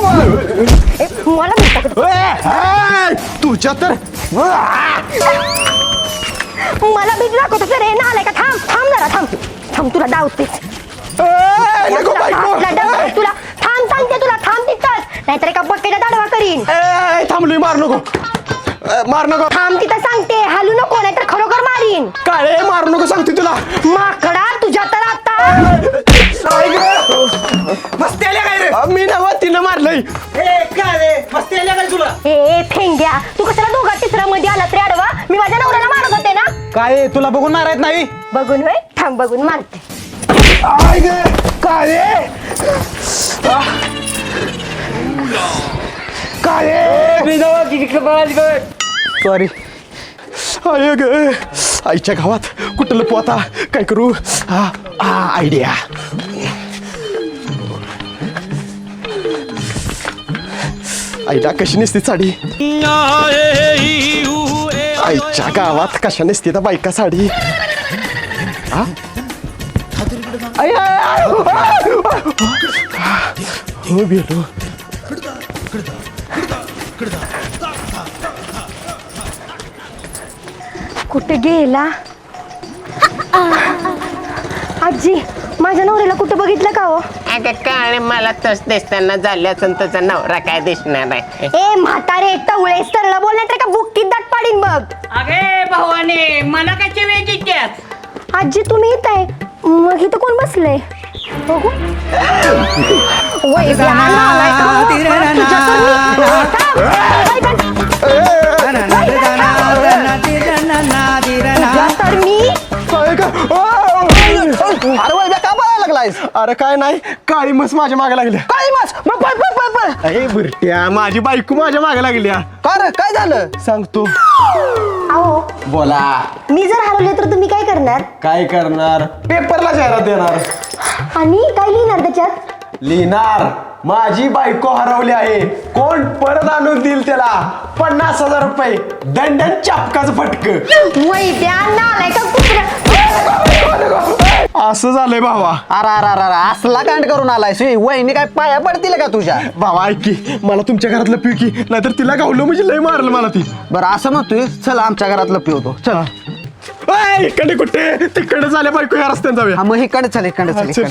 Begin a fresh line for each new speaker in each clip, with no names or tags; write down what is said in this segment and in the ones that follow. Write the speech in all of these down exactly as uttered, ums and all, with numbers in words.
मला
तुझ्या तर
मला भीती दाखवतो सर हे ना आलाय का थांब थांब जरा थांब थांब तुला डावतेच तुला थांब सांगते तुला थांब तिथंच नाहीतर एका बकेटा दाडवा करीन.
थांबलोय मार नको मार नको
थांब तिथं सांगते हालू नको नाहीतर खरोखर मारीन.
काळे मारू नको सांगते तुला
माकडा तुझ्या तर आता
मस्ती आल्या काय रे मी नव तिनं मारलंय मस्ती आल्या काय तुला
ए फेंग्या तू कशाला दोघा तिसऱ्या मध्ये आला तरी अडवा मी माझ्या नवऱ्याला मारत होते ना.
काय तुला बघून मारायत नाही
बघून होय थांब बघून मारते.
काळे सॉरी आय ग आईच्या गावात कुठं लपू आता काय करू हा आयडिया आईला कशी नसते साडी आईच्या गावात कशा नसते त्या बायका साडी हा हो भेटो
कुठे गेला आजी माझ्या नवऱ्याला कुठे बघितलं का हो.
अगं काळे मला तस दिसताना झाल्याचं तुझा नवरा काय दिसणार आहे.
ए म्हातारे टवळे सरळ बोलण्यात का बुक्कीत दाट पाडीन बघ.
अगे भावाने मला कशी वेळ त्यात
आजी तुम्ही येत आहे मग इथं कोण बसलंय बघू वै ब्याला आलाय का हो? तुझ्या तर मी
अरे वैद्य का बघायला लागलायस अरे काय नाही काळी मस माझ्या मागे लागली काळी मस मग पळ पळ पळ पळ अरे बुरट्या माझी बायको माझ्या मागे लागली का रे काय झालं सांगतो
अहो
बोला
मी जर हरवले तर तुम्ही काय करणार
काय करणार पेपरला जाहिरात देणार
आणि काय लिहिणार त्याच्यात
लिहिणार माझी बायको हरवली आहे कोण परत आणून देईल त्याला पन्नास हजार रुपये दंडन चापकाच फटक
वैद्या नालाय का कुत्र्या
असं झालंय भावा
अरे अरे अरे असला कांड करून आलाय सुई वहिनी काय पाया पडतील का तुझ्या
भावा ऐक की मला तुमच्या घरातलं पिऊ की नाहीतर तिला गावलं म्हणजे लय मारलं मला ती
बरं असं म्हणतोय चल आमच्या घरातलं पिवतो चल
इकडे कुठे तिकडे झाले बायको या रस्त्याने जाऊया
हा मग इकडे चल इकडे चल
चल.
इकडे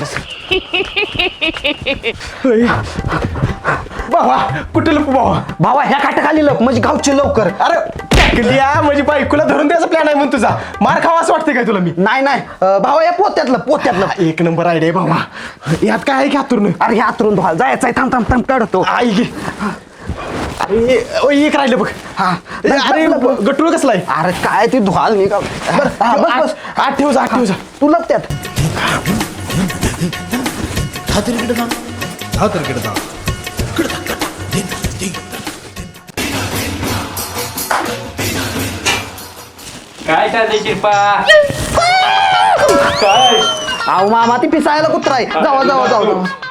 होय. भावा कुठे लपू भावा
भावा ह्या खाटाखाली लप म्हणजे गावची लवकर
अरे टाकल्या म्हणजे बायकोला धरून द्यायचा प्लॅन आहे म्हणून तुझा मार खावा असं वाटतंय काय तुला मी
नाही नाही अं, भावा या पोत्यातलं पोत्यातलं
एक नंबर आयडिया भावा यात काय आहे की हातून
अरे ह्या आतरून धुवाल जायचंय थांब थांब थांब काढतो
आई गे अरे ओ, एक राहिलं बघ
हा
अरे गटूळ कसला आहे
अरे काय ती धुवाल मी का बरं, हा, बस बस
आठ ठेव जा आठ ठेव जा
तू लप त्यात
काय चाललंय शिरपा
काय
अहो मामा ती पिसायला कुत्रा आहे जावा जावा जावा जावा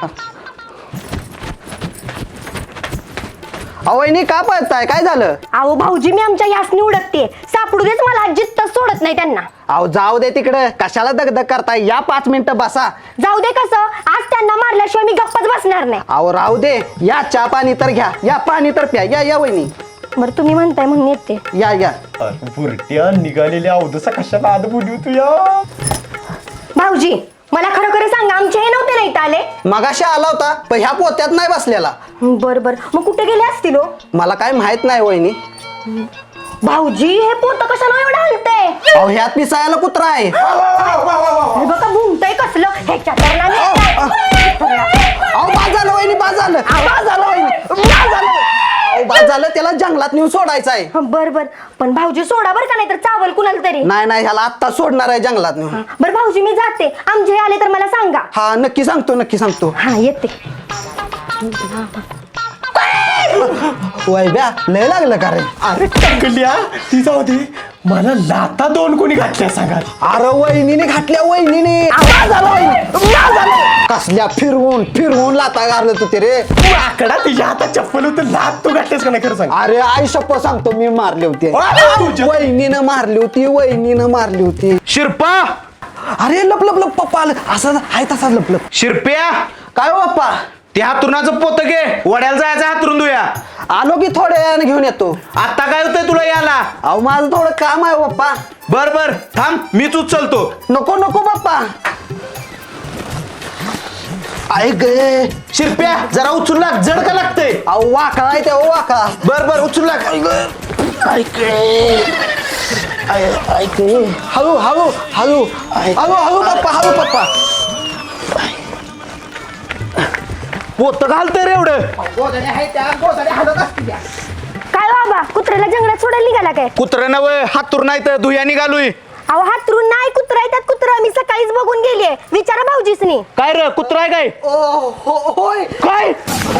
अहो वहिनी का पळताय काय झालं
अहो भाऊजी मी आमच्या यासनी उडकते सापडू देच मला अजित सोडत नाही त्यांना.
अहो जाऊ दे तिकडं कशाला दगदग करताय या पाच मिनिटं बसा
जाऊ दे कसं आज त्यांना मारल्याशिवाय मी गप्पच बसणार नाही.
अहो राहू दे या चहा पाणी तर घ्या या पाणी तर प्या या या वहिनी
बरं तुम्ही म्हणताय म्हणून येते.
या या
बुरट्या निघालेल्या अवधसा कशाला आद बोलू तू या
भाऊजी मला खरोखर सांगा आमचे हे नव्हते नाही आले.
मगाशी आला होता पण ह्या पोत्यात नाही बसलेला
बर बर मग कुठे गेले असतील हो?
मला काय माहित नाही वहिनी
भाऊजी हे पोत कशाला एवढं हलतंय
अहो ह्यात पिसायला कुत्रा आहे
हे बघा भुंकतय कसलं ह्याच्या तर ना
अहो बाद झालं वहिनी बाद झालं बाद झालं वहिनी बाद झालं अहो बाद झालं त्याला जंगलात नेऊन सोडायचं आहे
बर बर पण भाऊजी सोडा बर का नाही तर चावल कुणाला तरी.
नाही नाही ह्याला आत्ता सोडणार आहे जंगलात नेऊन
बर भाऊजी मी जाते आमचे हे आले तर मला सांगा.
हा नक्की सांगतो नक्की सांगतो
हा येते.
वैभ्या लय लागलं का रे
अरे टाकल्या ती जाऊ दे मला लाता दोन कोणी घातल्या सांगा
अरे वहिनीने घातल्या वहिनीने आवाज आला वहिनी आवाज आला. कसल्या फिरवून फिरवून लाता गारलं तू ते रे
आकडा तिच्या हातात चप्पल होतं लात तू घातल्यास का नाही खरं सांग
अरे आई शप्प सांगतो मी मारली होती
तुझ्या-
वहिनीनं मारली होती वहिनीनं मारली होती
शिरपा
अरे लप लप लप पप्पा आलं असं आहे तसा लप लप
शिरप्या
काय हो पप्पा
ते हातरुणाचं पोत घे, वड्याला जायचं हातरून धुया.
आलो की थोड्या वेळाने घेऊन येतो.
आता काय होतंय तुला याला?
अहो माझं थोडं काम आहे पप्पा.
बर बर थांब, मीच उचलतो.
नको नको पप्पा. ऐक गे.
शिरप्या जरा उचलू लाग, जड का लागतंय?
अहो वाकळा आहे ते, ओ वाकळा.
बर बर उचलू लाग.
ऐक रे. ऐ- ऐक रे. हळू हळू हळू हळू हळू पप्पा, हळू पप्पा.
पोत घालतंय रे एवढं.
काय बाबा कुत्र्याला जंगलात सोडायला निघाला काय?
कुत्रं नव हातूर नाही तर धुया निघालोय.
अहो हातरून नाही कुत्रा आहे त्यात कुत्रा मी सकाळीच बघून गेलीये. विचारा भाऊजीसनी.
काय र कुत्रा आहे काय?
ओ हो होय.
काय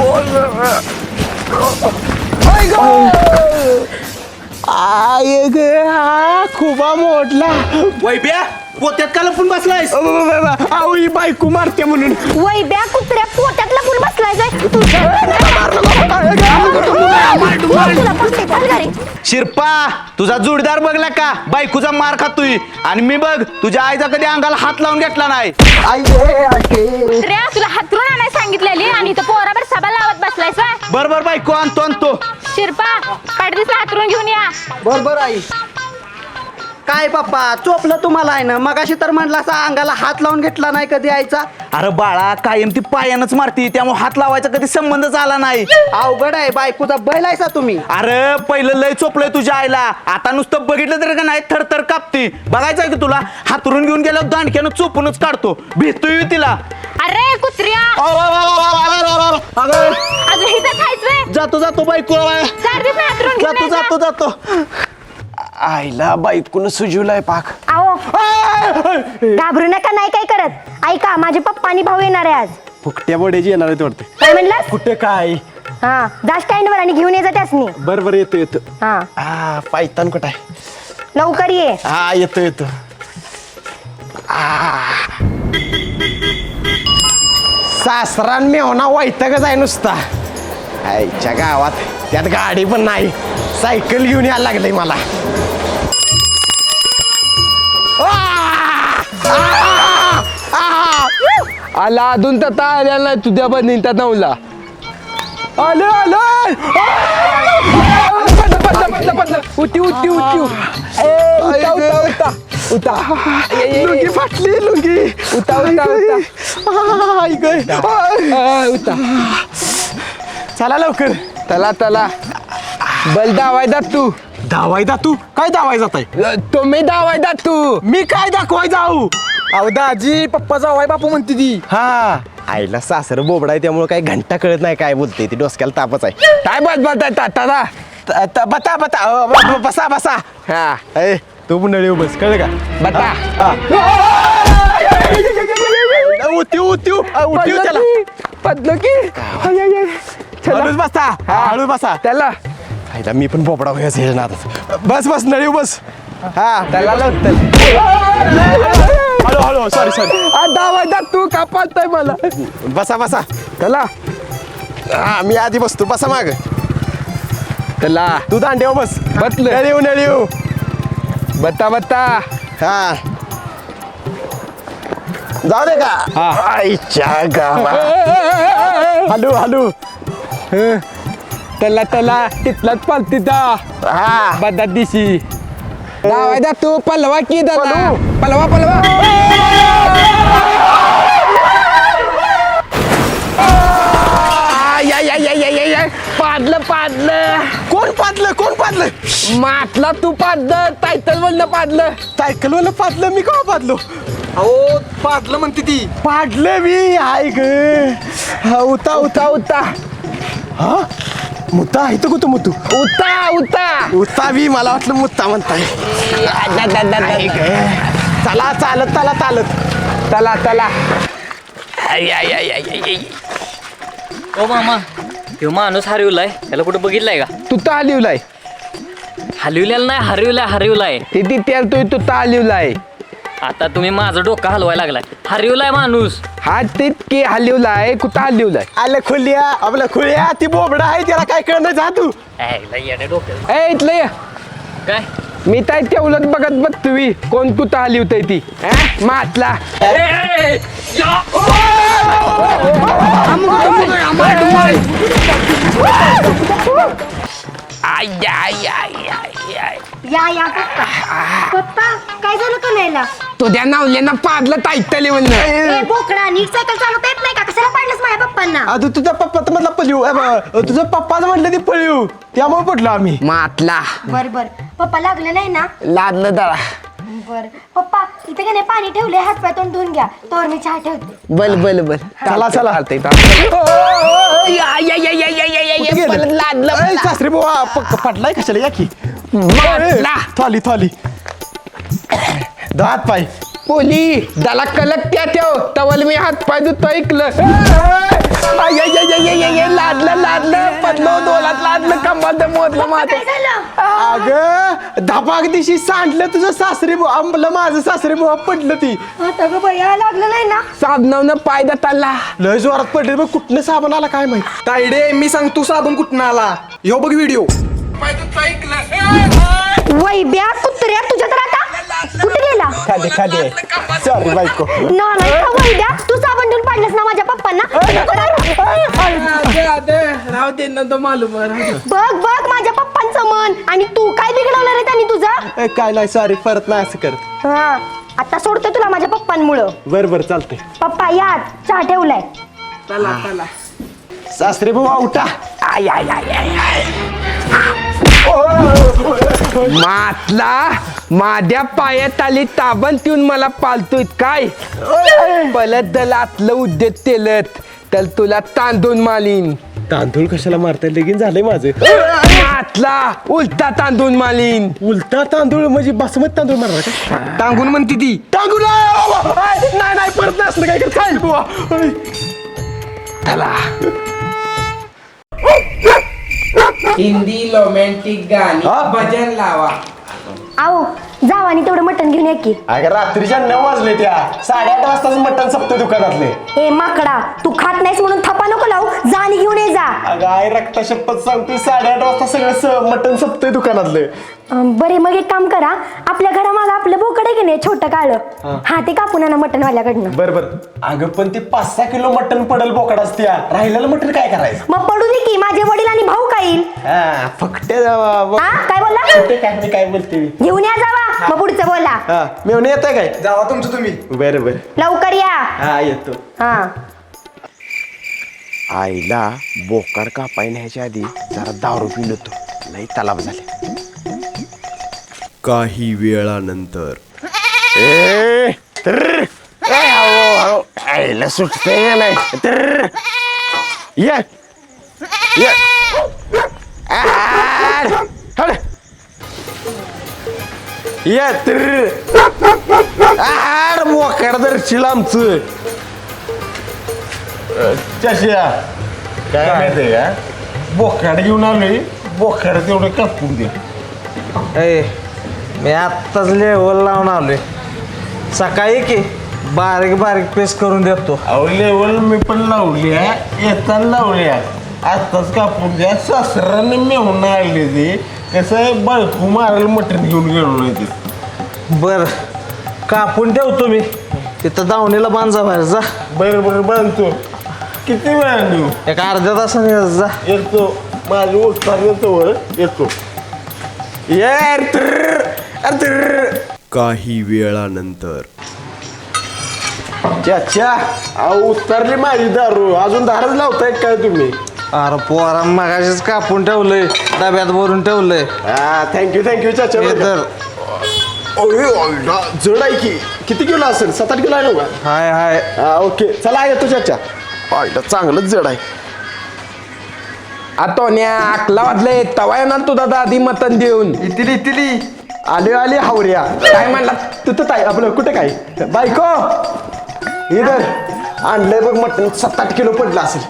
आय ग हा खुबा मोडला.
वैब्या पोत्यात का लपून बसलायस?
अहो ही बायको मारते म्हणून.
वैब्या कुत्र्या पोटात लपून बसलाय काय? तुझ्या तुला पटते, चल घरी.
शिरपा तुझा जोडीदार बघला का बायकोचा मार खातोय, आणि मी बघ तुझ्या आईचा कधी अंगाला हात लावून घेतला नाही.
आई गे, आई गे.
रे तुला हातरून आणायला सांगितलेली आणि तो पोराबर सभा लावत बसलायस व्हय?
बर बर बायको आणतो आणतो.
शिरपा पाडदिसला हातरून घेऊन या.
बर बर आई. काय पप्पा चोपलं तुम्हाला आहे ना? मगाशी तर म्हटलं असा अंगाला हात लावून घेतला नाही कधी आईचा.
अरे बाळा कायम ती पायानंच मारती, त्यामुळे हात लावायचा कधी संबंधच आला नाही.
अवघड आहे, बायकोचा बैल आहेसा तुम्ही.
अरे पहिलं लय चोपलंय तुझ्या आईला, आता नुसतं बघितलं तरी का नाही थरथर कापती. बघायचं आहे की तुला? हातरून घेऊन गेल्यावर दांडक्यानं चोपूनच काढतो, भेटतोय तिला.
अरे कुत्र्या
अगं,
अजून इथं खायच व्हय?
जातो जातो बायको
चार दिवस हातरून
जातो
घेऊन
जातो जातो.
आईला बायकोनं सुजवलाय पाक.
अहो घाबरू नका, नाही काय करत. ऐका माझे पप्पा आणि भाऊ येणार आहे आज.
फुकट्या बोड्याची येणार आहे वाटते.
काय म्हणलास?
कुठे काय?
हा जा स्टँड वर आणि घेऊन ये जा त्यासनी.
बर बर येतो येतो.
हा
हा पायतान कुठं आहे?
लवकर ये.
हा येतो येतो. सासरान मेवना वैतागच आहे नुसता. आईच्या गावात त्यात गाडी पण नाही, सायकल घेऊन यायला लागलंय मला.
आला अजून तर आल्या नाही तुझ्या बनींता नवला.
आलं आलं.
उठी उठी उठी उता उता उता उता
लुंगी फाटली लुंगी.
उता उता उता
आई गं.
आ, उता.
चला लवकर.
तला तला बल दावायदा तू.
धावाय तू काय धावाय जात आहे?
तुम्ही दावायदा तू.
मी काय दाखवाय जाऊ?
अहो दाजी पप्पा जावाय बापू म्हणते ती.
हा आईला सासर बोबडा आहे त्यामुळे काय घंटा कळत नाही काय बोलते ती. डोसक्याला तापच आहे.
काय बस बस ताता.
त- त- बता बता अ, ब- ब- बसा बसा.
हा
ए तू पण नळी बस कळलं का?
बता.
उतीव उतीव उतीव त्याला.
पडलो की
हळूच बसा हळूच बसा.
त्याला
आईला मी पण बोबडा व्हायचं ना आता. बस बस नळी बस. हा
त्याला लवकर
हळू हळू सॉरी सॉरी.
दावायदा तू का पाहताय मला.
बसा बसा.
त्याला
हा मी आधी बसतो. बसा माग.
त्याला
तू दांड्यावर बस.
बसलं.
नळीव नळीव.
बता बता.
हा जाऊ दे का?
हा.
आईच्या गावा. Hello hello.
त्याला त्याला तिथलाच पालतीचा
हा
बदा दिशी. दावायदा तू पलवा की दादा. पलवा पलवा. या या या या या या पाडलं पाडलं.
कोण पाडलं कोण पाडलं?
मातला तू पाडलं टायटल बोललं पाडलं.
सायकल वाला पाडलं मी का पाडलो?
अहो पाडलं म्हणते ती.
पाडलं मी. हाय ग. हा उता उता
उता
हा मुत्ता आहे तो कुठं मुतू?
उता उता.
उता बी मला वाटलं मुत्ता म्हणताय. हाय ग. चला चालत चला चालत.
चला चला.
ओ मामा ह्यो माणूस हरवलाय, त्याला कुठं बघितलाय का?
तू ता लिवलाय.
हलविलेला नाही, हरवलाय हरवलाय.
ते ती त्याला तू तू ता लिवलाय.
आता तुम्ही माझं डोकं हलवायला लागलाय. हरवलाय माणूस.
हा तितके हलिवलाय कुठं हलिवलाय.
आलं खुल्या आपलं खुल्या ती बोबडा आहे त्याला काय कळणार जा तू.
डोक्यात
ए इथलं ये.
काय
मी काय तेवढंच बघत बघ तुम्ही कोण कुठं हलिवतय ती. मातला.
या या पप्पा पप्पा काय झालं कन्हैयाला?
तुझ्या नावल्यांना पाडलं टाईटली म्हणलं
ए बोकडा नीट सायकल चालवता येत नाही का? कशाला पाडलंस माझ्या पप्पांना?
आ, तू तुझ्या पप्पाचं म्हटलं पळीव अ, ब- तुझं पप्पाचं म्हटलं ती पळीव त्यामुळे पडलो आम्ही
मातला
बर बर पप्पा लागलं नाही ना?
लादलं दळा
बर पप्पा इथे का नाही पाणी ठेवले हात पाय तोंड धुवून घ्या तर मी चहा ठेवते.
बल बल बल
चला चला
चालतंय लादलं
ए, सासरे बुवा प- पडलाय कशाला या की
मातला
थॉली थॉली हात पाय
पोली त्याला कलक त्या ठेव तवल मी हात पाय धुतो ऐकलं लादलं लादलं पडलो दोलात लादलं कंबात मोदलं माझं
काय झालं?
अगं धपाक दिशी सांडलं तुझं सासरे बुवा आंबलं माझं सासरे बुवा पडलं ती
आता ग बया लागलं नाही ना?
साबणावनं पाय दताला
लय जोरात पडले बघ कुठनं साबण आला काय माहित
तायडे मी सांग तू साबण कुठं आला यो बघ व्हिडिओ
वैब्या कुत्र्या तुझ्या तर आता कुठे गेला?
खाली खाली सॉरी बायको
नाही का वैब्या तू साबण धुवून पाडलंस ना माझ्या पप्पांना?
राव दे ना तो मालूम
बघ बघ माझ्या पप्पांचं मन आणि तू काय बिघडवलं रे त्यांनी तुझं?
ए, काय नाही सॉरी परत नाही असं करत
हा आता सोडते तुला माझ्या पप्पांमुळं.
बर बर चालतंय
पप्पा या चहा ठेवलाय.
चला चला
सासरे बुवा उठा आय आय आय आय आय
मातला माझ्या पायात आली ताबण ठेवून मला पालतोय काय पलत दलातलं उद्देत तेलत तर तुला तांदून मालीन
तांदूळ कशाला मारताय लगीन झालंय माझं
मातला उलटा तांदून मालीन
उलटा तांदूळ म्हणजे बासमती तांदूळ मारणार का
टांगून म्हणते ती
तांदूळ नाही नाही परत नसलं काय करत काय बुवा ओय.
चला हिंदी रोमॅन्टिक गाणी
हा?
भजन लावा
आओ जावा आणि तेवढं मटण घेऊन या की.
अगं रात्रीच्या नऊ वाजले त्या साडेआठ वाजताच मटण सपतं दुकानातले
ए माकडा तू खात नाहीस म्हणून थपा नको लावू जा आणि घेऊन ये जा.
अगं आई रक्ता शपथ सांगतोय साडेआठ वाजता सगळं स- मटण सपतंय दुकानातलं
अं, बरे मग एक काम करा आपल्या घरामागं आपलं बोकड आहे की नाही छोटं काळं हा ते कापून आणा मटण वाल्याकडनं.
बर बर अगं पण ते पाच सहा किलो मटण पडल बोकडाच त्या राहिलेलं मटण काय करायचं
मग पडू दे की माझे वडील आणि भाऊ काय येईल.
हा फक्त
हा काय बोलला?
काय मी काय बोलते मी
घेऊन या जावा मग पुढचं बोला.
हा मेवून येत आहे काय
जावा तुमचं तुम्ही
बर बर
लवकर या.
हा येतो
हा
आईला बोकाड कापाय न्यायच्या आधी जरा दारू पिलो होतो लई तलाव झाले
काही वेळानंतर
ए तर आईला सुटतंय नाही तर ये ये आड, हड. ये तर आड बोकाड दर्शील आमचं चष्या काय माहितीये का बोकाड घेऊन आलोय बोकाड तेवढं कापून दे
मी आत्ताच लेवल लावून आलोय सकाळी की बारीक बारीक पेस्ट करून देतो
अहो लेवल मी पण लावली आहे येताना लावली आहे आत्ताच कापून द्या सासऱ्याने मेहून आणली ती कसं आहे बायको मारायला मटण घेऊन गेलो नाही ते
बर कापून ठेवतो मी तिथं दावणीला बांधा बाहेर जा
बरं बरं बांधतो किती वेळा नेऊ
एक अर्ध्या तासाने येत जा
येतो माझी उत्तर येतो वर येतो यार तर तर
काही वेळानंतर
चाचा अहो उतरली माझी दारू अजून दारच लावताय काय तुम्ही
अरे पोरा मगाशीच कापून ठेवलंय डब्यात भरून ठेवलंय
हा थँक्यू थँक्यू चाचा
हे तर
ओय, ओयला, जड आहे की किती किलो असेल सात आठ किलो आहे ना का
हाय हाय
हा ओके चला येतो चाचा आयला चांगलंच जड आहे
आतोन्या आकला वाजले तवा येणार तुझा दादी मतन देऊन
इतिली इतिली आले आले हावऱ्या
काय म्हणला
तू तर काय आपलं कुठे काय बायको इधर आणलंय बघ मटण सात आठ किलो पडलं असेल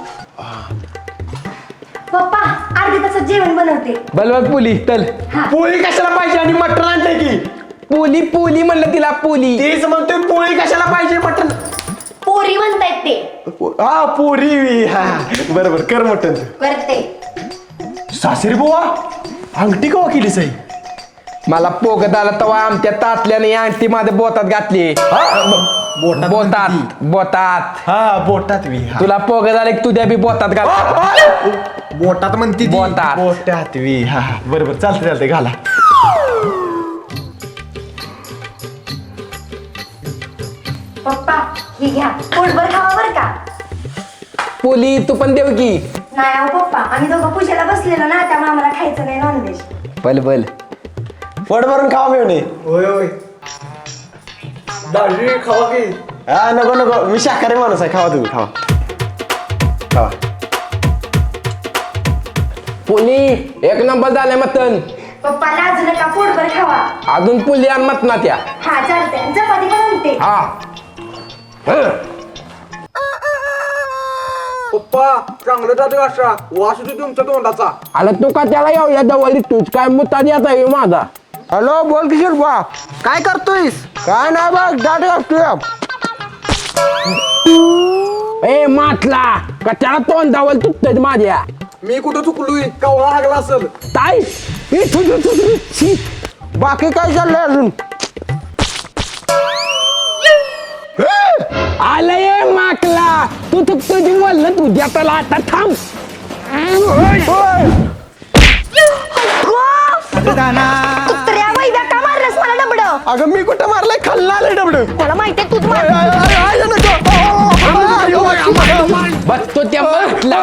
पप्पा अर्धी तासात जेवण बनवते.
बलवत पुली तल
पोळी कशाला पाहिजे आणि मटण आणलंय की
पुली पुली म्हणलं तिला पुली
तेच म्हणतोय पोळी कशाला पाहिजे मटण
पोरी म्हणतायत ते.
हा पोरी हा बरोबर कर मटण
करते.
सासरी बुवा अंगठी कवा केली साई
मला पोगत आला तवा आमच्या तातल्याने अंगठी माझ्या बोतात घातली
हा बोटात
बोतात
म्हणते
बोतात
हा बोटात वी हा.
तुला पोग झाले की तू द्या बी बोतात घाल
बोटात म्हणते ती.
बोटात.
बोटात वी हा हा. बरोबर चालते चालते घाला.
पप्पा ही घ्या पोटभर खावा बरं का.
पोली तू पण देव की
नाही अहो पप्पा आम्ही दोघं पूजेला बसलेलो ना त्यामुळे आम्हाला खायचं नाही नॉनव्हेज.
बल बल
पोट भरून खावा मिळणे. होय होय दाढी खावा की. हा नको नको मी शाकाहारी माणूस आहे खावा तुम्ही खावा खावा.
पोली एक नंबर झाले मतन
पप्पा लाजू नका पोटभर खावा.
अजून पुली आणि मतना त्या
हा चालते चपाती पण आणते.
हा हं.
पप्पा चांगलं जाते असा वास होतो तुमच्या तोंडाचा.
आला तू का त्याला येऊया जवळ तूच काय मुद्दा द्यायचा आहे माझा.
हॅलो बोल किशोर बा काय करतोयस. काय नाही बघ दाट घालतोय.
ए माटला का त्याला तोंड दावल तुटत माझ्या
मी कुठं चुकलोय कवळा लागला असेल.
ताई ए, थु, थु, थु, थु, छी.
बाकी काय चाललंय अजून.
आलं ये माकला तू तू तुझी बोललं तुझ्या त्याला आता थांब.
कुत्र्या वैद्या का मारलंस मला डबडं.
अगं मी कुठं मारलाय खाल्ला आलंय डबडं.
मला माहितीये तूच मार.
बस तो त्या माटला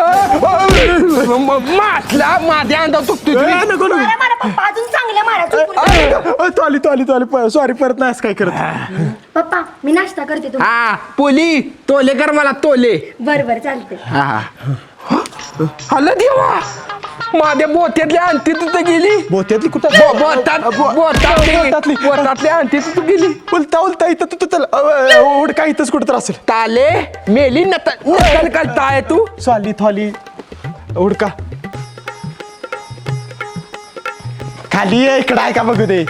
माटला माझ्या अंडा तुटतो
मारा मारा पप्पा अजून चांगल्या मारा चुकून.
तो आली तो आली तो आली सॉरी परत नाही असं काय करत.
पप्पा मी नाश्ता करते तू.
हा पोली तोले कर मला तोले.
बर बर चालते.
हा हल्ला देवा माझ्या बोत्यातली आणती तिथं गेली.
बोत्यातली कुठं
बो- बोटात बोटातली बोटातली आणती तिथं गेली.
उलता उलता इथं तू चल उड काय इथंच कुठं तर असेल.
ताले मेली नकल नकल करताय तू.
सॉली थॉली उडका खाली ये इकडं आहे का बघू दे.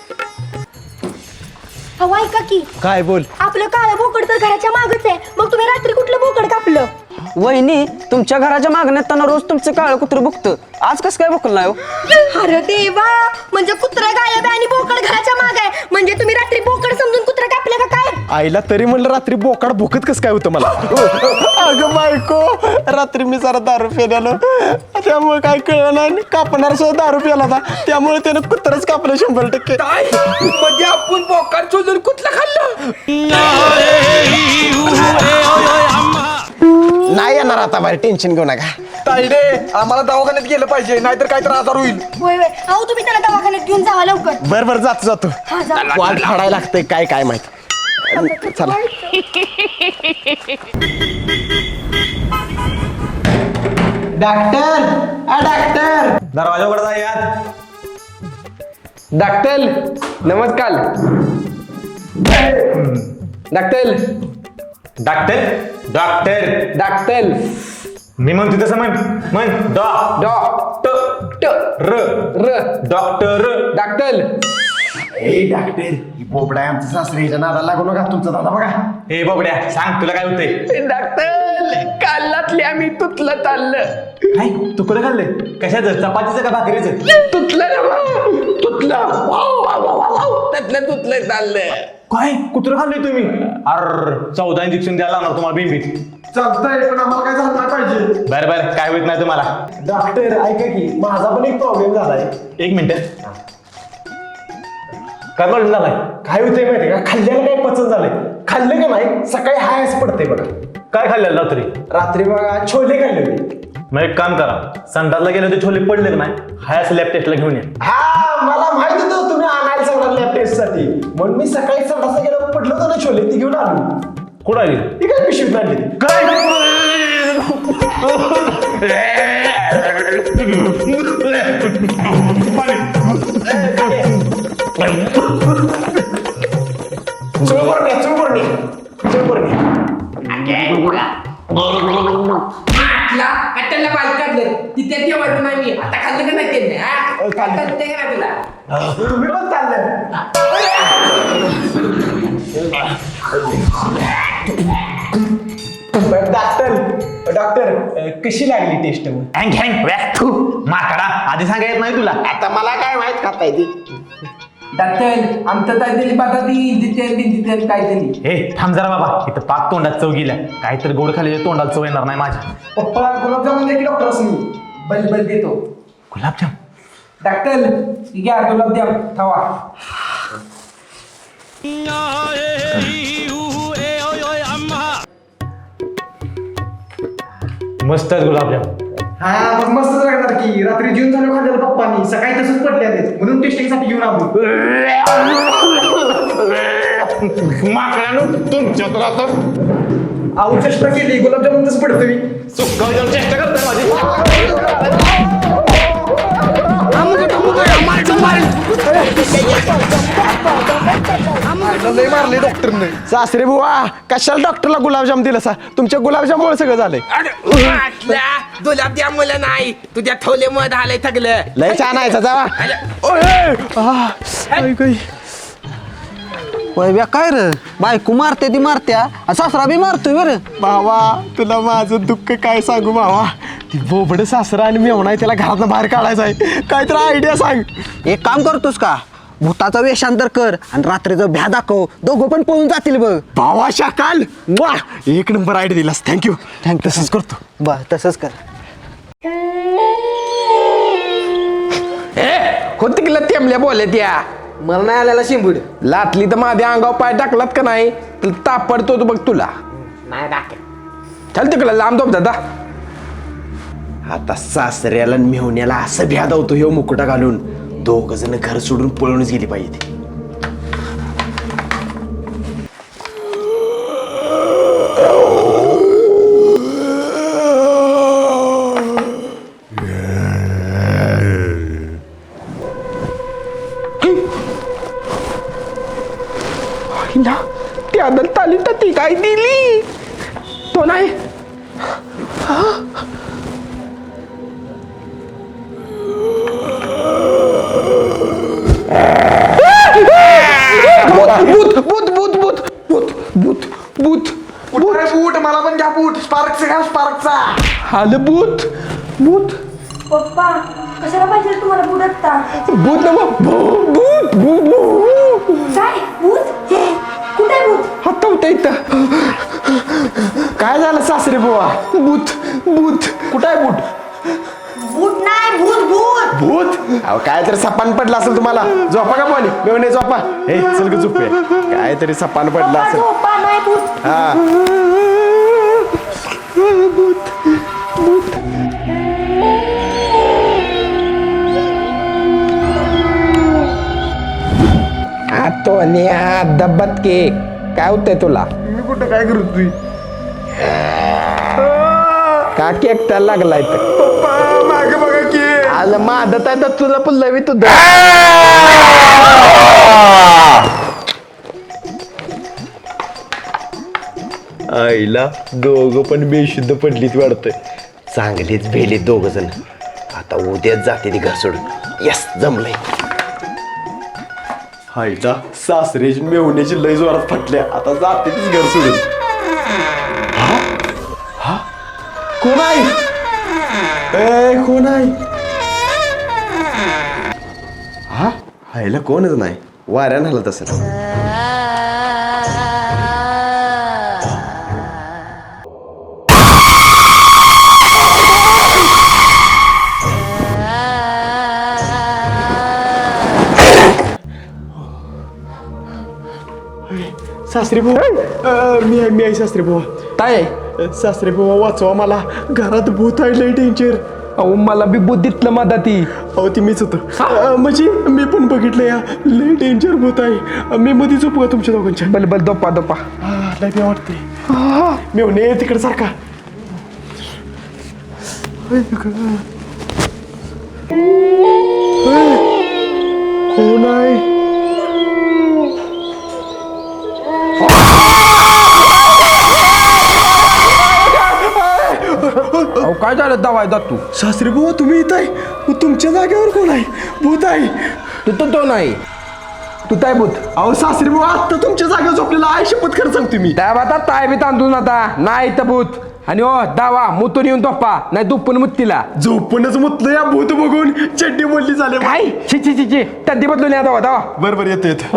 हवा ऐका की
काय बोल.
आपलं काळं बोकड तर घराच्या मागच आहे. मग तुम्ही रात्री कुठलं बोकड कापलं.
वहिनी तुमच्या घराच्या मागण्यात रोज तुमचं काळं कुत्रं बघतं. आज कसं काय बघलं नाही हो.
अरे देवा म्हणजे कुत्रा गायब आहे आणि बोकड घराच्या माग आहे. म्हणजे तुम्ही रात्री बोकड समजून कुत्रा कापलं का काय.
आईला तरी म्हणलं रात्री बोकाड भुकत कसं काय होतं मला. अगं बायको रात्री मी जरा दारू प्यायलो त्यामुळे काय कळलं नाही. कापणार सुद्धा दारू प्याला होता त्यामुळे त्यानं कुत्रच कापलं शंभर टक्के.
म्हणजे आपण बोकाड चोजून कुठलं खाल्लं.
नाही येणार आता बाहेर टेन्शन घेऊ नका.
ताईडे आम्हाला दवाखान्यात गेलं पाहिजे नाहीतर काय तर आजार होईल.
होय होय अहो तुम्ही त्याला दवाखान्यात घेऊन जावा लवकर.
बर बर जातो जातो.
हा जा.
वाट फाडायला लागतंय काय काय माहित. चला
डॉक्टर आ डॉक्टर
दरवाजा उघडा यार.
डॉक्टर नमस्कार. डॉक्टर
डॉक्टर डॉक्टर
डॉक्टर
मी म्हणतो तसं म्हण म्हण डॉ
डॉ ट ट
र
र
डॉक्टर
डॉक्टर
ए डॉक्टर ही बोबडा आहे आमच्या सासरीच्या नादाला लागू नका. तुमचा दादा बघा.
हे बाबड्या सांग तुला काय होतंय.
डॉक्टर कालातले आम्ही तुटलं चाललं.
काय तू कुठं खाल्लंय कशाचं चपातीचं का भाकरीचं.
तुटलं ना भाऊ. तुटलं वाव, वाव, वाव, वाव. त्यातलं तुटलं चाललं.
काय कुत्र खाल्लंय तुम्ही. अर चौदा इंजेक्शन द्यायला लागणार तुम्हाला बिंबीत.
चालतंय पण आम्हाला काय झालं नाही पाहिजे.
बरं बरं काय होत नाही तुम्हाला.
डॉक्टर ऐका की माझा पण एक प्रॉब्लेम झालाय.
एक मिनिट काय प्रॉब्लेम झालाय.
काय होतंय माहिती का खाल्ल्याला काय पचन झालंय. खाल्लं का नाही सकाळी हायस पडते बघा.
काय खाल्लेलं रात्री.
रात्री बघा छोले खाल्ले होते.
मग एक काम करा संडासला गेले होते छोले पडले का नाही हाय असं लॅब टेस्टला घेऊन या.
हा मला माहित होतं तुम्ही आणायला सांगणार लॅब टेस्ट साठी म्हणून मी सकाळी संडासला गेलो पडलं होतं ना छोले ती घेऊन आलो.
कुठं आली
ती काय पिशवीत आणली ती.
काय
चुळबुर्णी चुळबुर्णी चुळबुर्णी.
त्याला बाल काढलं तिथे ठेवायचं नाही मी आता खाल्लं का नाही त्यांनी हा खाल्लं ते का तुला.
तुम्ही पण चाललं. डॉक्टर डॉक्टर कशी लागली टेस्ट.
हँग हँग तू माकडा आधी सांगायचं नाही तुला.
आता मला काय माहित खाता ती.
डॉक्टर आमचं काय दिली बघा ती दितेल दितेल काय दिली.
हे थांब जरा बाबा, इथं पाक तोंडात चव गेल्या. काहीतरी गोड खाल्ल्याच्या तोंडात चव येणार नाही माझ्या.
पप्पा गुलाबजामुन दे की डॉक्टर असं बल बल देतो.
गुलाबजाम
डॉक्टर घ्या गुलाबजाम खावा.
मस्त आहेत गुलाबजाम.
हा मग मस्तच लागणार की. रात्री जेवून झालं खाल्लेलं पप्पानी, सकाळी तसंच पडले आहेत म्हणून टेस्टिंगसाठी घेऊन आलो.
माकडानं तुमच्या तर आता
अहो चेष्टा केली, गुलाबजामुन तसं पडतं मी.
सुकावजाम चेष्टा करताय माझी.
लय मारले डॉक्टरने. सासरे बुवा कशाला डॉक्टरला गुलाबजाम दिलं सा? तुमच्या गुलाबजामुळे सगळं झालंय.
गुलाबजाम मुलं नाही तुझ्या ठोले मध आलंय थगलं.
लय छान आहे जावा.
वय काय रे बायको मारते ती मारत्या आणि सासरा बी मारतोय बरं.
भावा तुला माझं दुःख काय सांगू भावा. ती बोबड सासरा आणि मेवणा आहे, त्याला घरातनं बाहेर काढायचं आहे. काहीतरी आयडिया सांग.
एक काम करतोस का भूताचा वेषांतर कर आणि रात्रीचं भ्या दाखव, दोघं पण पळून जातील बघ.
भावा शाकाल वा एक नंबर आयडिया दिलास. थँक्यू थँक्यू तसंच करतो.
बर तसंच कर.
होती की तेमल्या बोलल्या त्या
मला नाही आलेला शिंबूड.
लाटली तर माझ्या अंगावर पाय टाकलात का नाही तर तापडतो बघ तुला.
नाही टाके.
चल तिकडे लांब दोब दादा.
आता सासऱ्याला आणि मेहुण्याला असं भ्याद होतो ह्यो मुकुटा घालून. दोघ जण घर सोडून पळूनच गेली पाहिजे.
त्यादल ताली तर ती काय दिली तो नाही. भूत भूत भूत भूत भूत भूत भूत
बूट मला पण घ्या बूट. स्पार्कचा घ्या स्पार्कचा.
आलं भूत भूत
पप्पा कशाला पाहिजे तुम्हाला बुड आता?
भूत ना भूत भूत भूत
काय भूत? कुठे भूत?
आता होता इथं.
काय झालं सासरे बुवा?
भूत भूत कुठं आहे भूत?
भूत नाही भूत भूत.
भूत अहो काय तरी सपान पडला असेल तुम्हाला. झोपा का पाणी मेवणे झोपा. हे चल ग झोपे. काय तरी सपान पडला
पप्पा
असेल.
झोपा नाही भूत.
हा
तो दब्बत के काय होतंय तुला?
मी कुठं काय करू तुझी
का एकटा लागलाय तर
पप्पा मागे बघा की.
आलं मादत आहे तर तुला पण लवी तुझं.
आईला दोघं पण बेशुद्ध पडलीत वाटतंय. चांगलीच भेलीत दोघ जण. आता उद्याच जाते ती घर सोडून. यस जमलंय. आईला सासरेची मेवण्याची लय जोरात फटल्या. आता जाते तीच घर सोडून. हा? हा? कोण आहे? ए कोण आहे? हा आईला कोणच नाही. वाऱ्यानं हलत असेल. सासरे भाऊ मी आहे मी आहे सासरे भाऊ.
काय
सासरे भाऊ वाचवा मला. घरात भूत आहे लय डेंजर.
अहो मला बी बुद्धीतलं मदती.
अहो ती मीच होतं. म्हणजे मी पण बघितलं या लय डेंजर भूत आहे. मी मध्ये झोपू का तुमच्या दोघांच्या?
बल बल दोपा दोपा.
लय बी वाटते. मेवणे तिकडे सारखा. कोण आहे?
अहो काय झालं दवाय जात तू?
सासरे भाऊ तुम्ही इथं आहे. मग तुमच्या जागेवर कोण आहे? भूत आहे.
तू तर तो नाही. तू काय भूत
अहो सासरी बुवा आत्ता तुमच्या जागेवर झोपलेला आहे शपथ खरं सांगतो मी
त्या आता ताय बी तांदून आता नाही तर भूत आणि ओ दावा मुतून येऊन तोप्पा नाही दुप्पन मुत्तीला
झोपूनच मुतलं या भूत बघून चड्डी बोलली झाले
काय छि छि छि छि तद्दी बदलून या दावा दावा
बरं बरं येतो येतो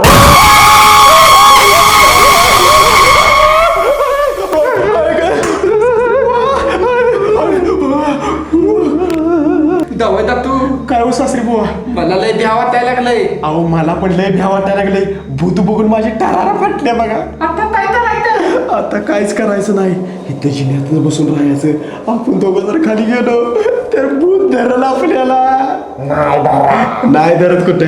दावा तू
काय हो सासरी बुवा
मला लय भ्या वाटायला लागलंय
अहो मला पण लय भ्या वाटायला लागले भूत बघून माझी टारारा फाटल्या बघा
आता काय करायचं
आता काहीच करायचं नाही इथं जिन्यात बसून राहायचं आपण दोघं जर खाली गेलो तर भूत धरल आपल्याला नाही धरत कुठे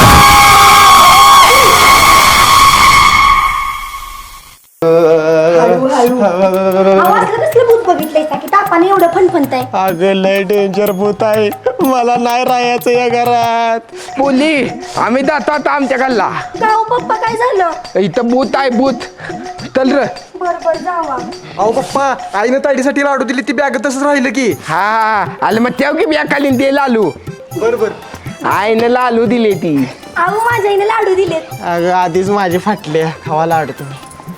कसलं भूत बघितलंय की तापाने एवढं फणफणताय
अगं लय डेंजर भूत आहे मला नाही राहायचं या घरात
बोली आम्ही जातो आता आमच्या गल्ला
का हो पप्पा काय झालं
इथं भूत आहे भूत चल र
बर बर जावा
अहो पप्पा आईनं ताईसाठी लाडू दिली ती बॅग तसंच राहिलं की
हा आले मग तेव की बिया खालीन ते लालू
बरोबर
आईनं लालू दिली ती
अहो माझ्या आईने लाडू दिलेत
अगं आधीच माझे फाटले खावा लाडू तुम्ही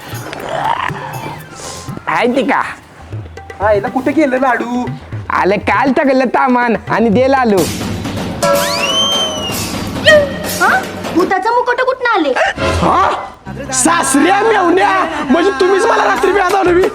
आहे ती का
आईला कुठे गेलं लाडू
आले काल टाकलं तामान आणि दे लालू
हा भूताचं मुकुट कुठं आले
सासऱ्या मेवण्या म्हणजे तुम्हीच मला रात्री व्याज आलो मी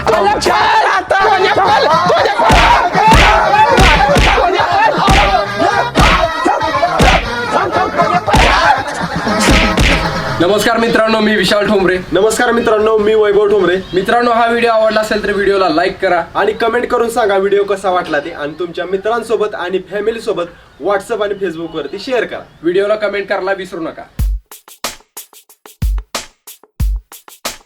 नमस्कार मित्रांनो, मी विशाल ठोंबरे.
नमस्कार मित्रांनो, मी वैभव ठोंबरे.
मित्रांनो, हा व्हिडिओ आवडला असेल तर व्हिडिओला लाईक करा
आणि कमेंट करून सांगा व्हिडिओ कसा वाटला ते आणि तुमच्या मित्रांसोबत आणि फॅमिली सोबत व्हॉट्सअप आणि फेसबुक वरती शेअर करा.
व्हिडिओला कमेंट करायला विसरू नका.